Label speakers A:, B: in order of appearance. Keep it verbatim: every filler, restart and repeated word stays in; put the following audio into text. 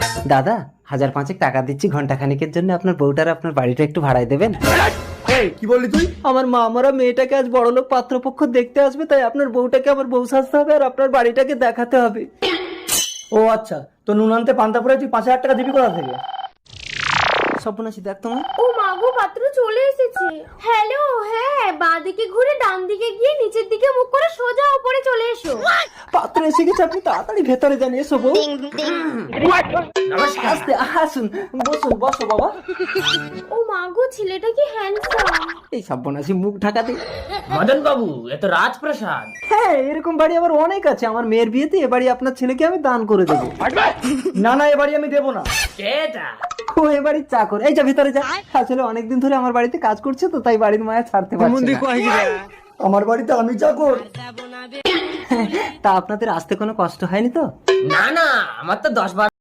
A: দাদা হাজার পাঁচেক টাকা দিচ্ছি ঘন্টা খানিকের জন্য, আপনার বউটার আপনার বাড়িটা একটু ভাড়ায় দেবেন।
B: এই কি বললি তুই?
A: আমার মা আমারা মেয়েটাকে আজ বড়লোক পাত্রপক্ষ দেখতে আসবে, তাই আপনার বউটাকে আমার বউ সাজতে হবে আর আপনার বাড়িটাকে দেখাতে হবে।
B: ও আচ্ছা, তো নুন আনতে পান্তা পরে তুই পাঁচ হাজার টাকা দিবি কোথা থেকে?
A: স্বপ্নাশী দেখ তোমার।
C: ও মাগো, পাত্র চলে এসেছে। হ্যালো, হ্যাঁ, বাঁ দিকে ঘুরে ডান দিকে গিয়ে নিচের দিকে মুখ করে সোজা উপরে চলে এসো।
A: পাত্র এসে গেছে, আপনি তাড়াতাড়ি ভেতরে যান। এসো বউ। আস্তে আসুন, বসুন, বসো বাবা।
C: ও মাগো, ছেলেটা কি হ্যান্ডসাম।
A: এই সর্বনাশী মুখ ঢাকাতে।
D: মদন বাবু, এ তো রাজপ্রাসাদ।
A: হ্যাঁ, এরকম বাড়ি আবার অনেক আছে। আমার মেয়ের বিয়েতে এ বাড়ি আপনার ছেলেকে আমি দান করে দেবো।
B: না না, এ বাড়ি আমি দেবো না।
D: কেটা?
A: ও এ বাড়ির চাকর। এই যা ভিতরে যা। আসলে অনেকদিন ধরে আমার বাড়িতে কাজ করছে তো, তাই বাড়ির মায়া ছাড়তে পারছে না।
B: আমার বাড়িতে আমি চাকর?
A: তা আপনাদের আসতে কোনো কষ্ট হয়নি তো?
D: না না, আমার তো দশ বার